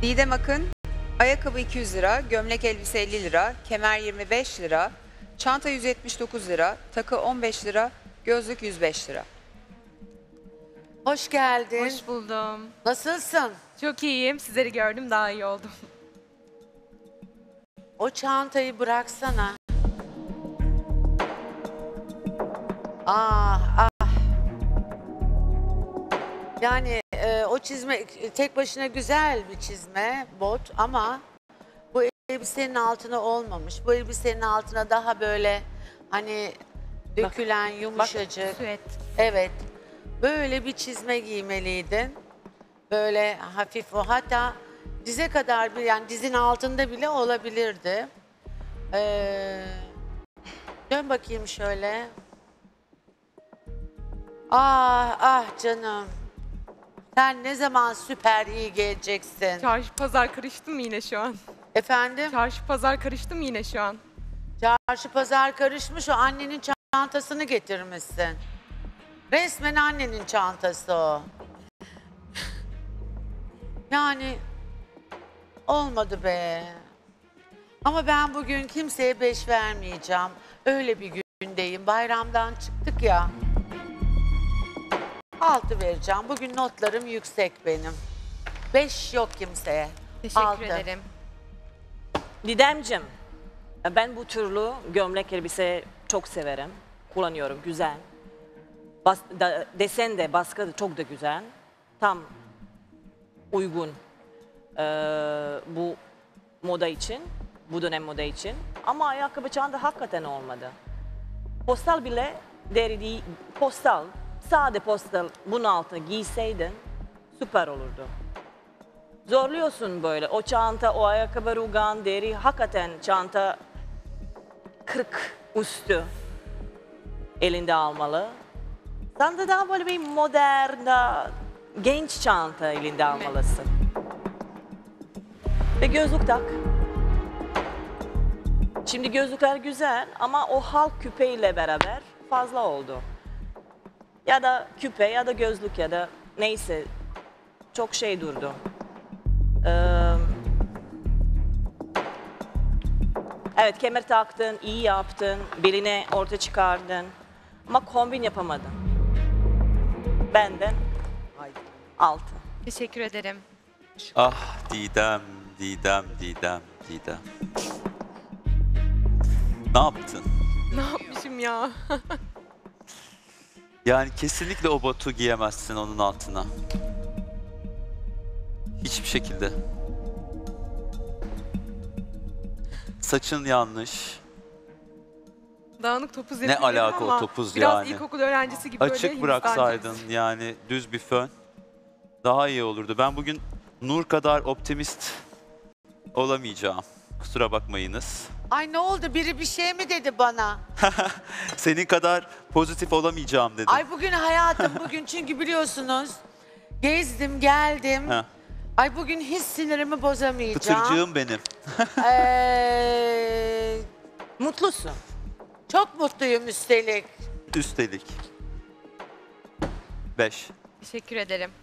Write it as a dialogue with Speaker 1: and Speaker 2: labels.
Speaker 1: Didem Akın, ayakkabı 200 lira, gömlek elbise 50 lira, kemer 25 lira, çanta 179 lira, takı 15 lira, gözlük 105 lira.
Speaker 2: Hoş geldin.
Speaker 3: Hoş buldum.
Speaker 2: Nasılsın?
Speaker 3: Çok iyiyim. Sizleri gördüm, daha iyi oldum.
Speaker 2: O çantayı bıraksana. Ah ah. Yani o çizme tek başına güzel bir çizme, bot ama bu elbisenin altına olmamış. Bu elbisenin altına daha böyle hani dökülen yumuşacık.
Speaker 3: Süet.
Speaker 2: Evet. Böyle bir çizme giymeliydin. Böyle hafif o, hatta dize kadar bir, yani dizin altında bile olabilirdi. Dön bakayım şöyle. Ah ah canım. Sen ne zaman süper iyi geleceksin?
Speaker 3: Çarşı pazar karıştım yine şu an.
Speaker 2: Efendim?
Speaker 3: Çarşı pazar karıştım yine şu an.
Speaker 2: Çarşı pazar karışmış, o annenin çantasını getirmişsin. Resmen annenin çantası o. Yani olmadı be. Ama ben bugün kimseye 5 vermeyeceğim. Öyle bir gündeyim. Bayramdan çıktık ya. 6 vereceğim. Bugün notlarım yüksek benim. 5 yok kimseye.
Speaker 3: Teşekkür
Speaker 2: 6.
Speaker 3: ederim.
Speaker 4: Didemciğim, ben bu türlü gömlek elbise çok severim. Kullanıyorum, güzel. Desen de, baskı da çok da güzel. Tam uygun bu moda için, bu dönem moda için. Ama ayakkabı çanta hakikaten olmadı. Postal bile deri değil, postal, sade postal bunun altına giyseydin süper olurdu. Zorluyorsun böyle. O çanta, o ayakkabı, rugan, deri, hakikaten çanta 40 üstü elinde almalı. Sen de daha böyle bir modern, daha genç çanta elinde almalısın. Ve gözlük tak. Şimdi gözlükler güzel ama o halk küpeyle beraber fazla oldu. Ya da küpe ya da gözlük ya da neyse çok şey durdu. Evet, kemer taktın, iyi yaptın, beline orta çıkardın ama kombin yapamadın. Benden 6.
Speaker 3: Teşekkür ederim.
Speaker 5: Ah Didem, Didem, Didem, Didem. Ne yaptın?
Speaker 3: Ne yapmışım ya?
Speaker 5: Yani kesinlikle o botu giyemezsin onun altına. Hiçbir şekilde. Saçın yanlış.
Speaker 3: Dağınık topuz
Speaker 5: Ne
Speaker 3: yapıyorum
Speaker 5: alaka o
Speaker 3: ama
Speaker 5: topuz
Speaker 3: biraz
Speaker 5: yani?
Speaker 3: ilkokul öğrencisi gibi böyle
Speaker 5: Açık
Speaker 3: Hindistan
Speaker 5: bıraksaydın
Speaker 3: cevizi.
Speaker 5: yani düz bir fön daha iyi olurdu. Ben bugün Nur kadar optimist olamayacağım. Kusura bakmayınız.
Speaker 2: Ay ne oldu? Biri bir şey mi dedi bana?
Speaker 5: Senin kadar pozitif olamayacağım dedim.
Speaker 2: Ay bugün hayatım, bugün çünkü biliyorsunuz gezdim geldim.
Speaker 5: Heh.
Speaker 2: Ay bugün hiç sinirimi bozamayacağım.
Speaker 5: Pıtırcığım benim.
Speaker 4: Mutlusun.
Speaker 2: Çok mutluyum üstelik.
Speaker 5: Üstelik. 5.
Speaker 3: Teşekkür ederim.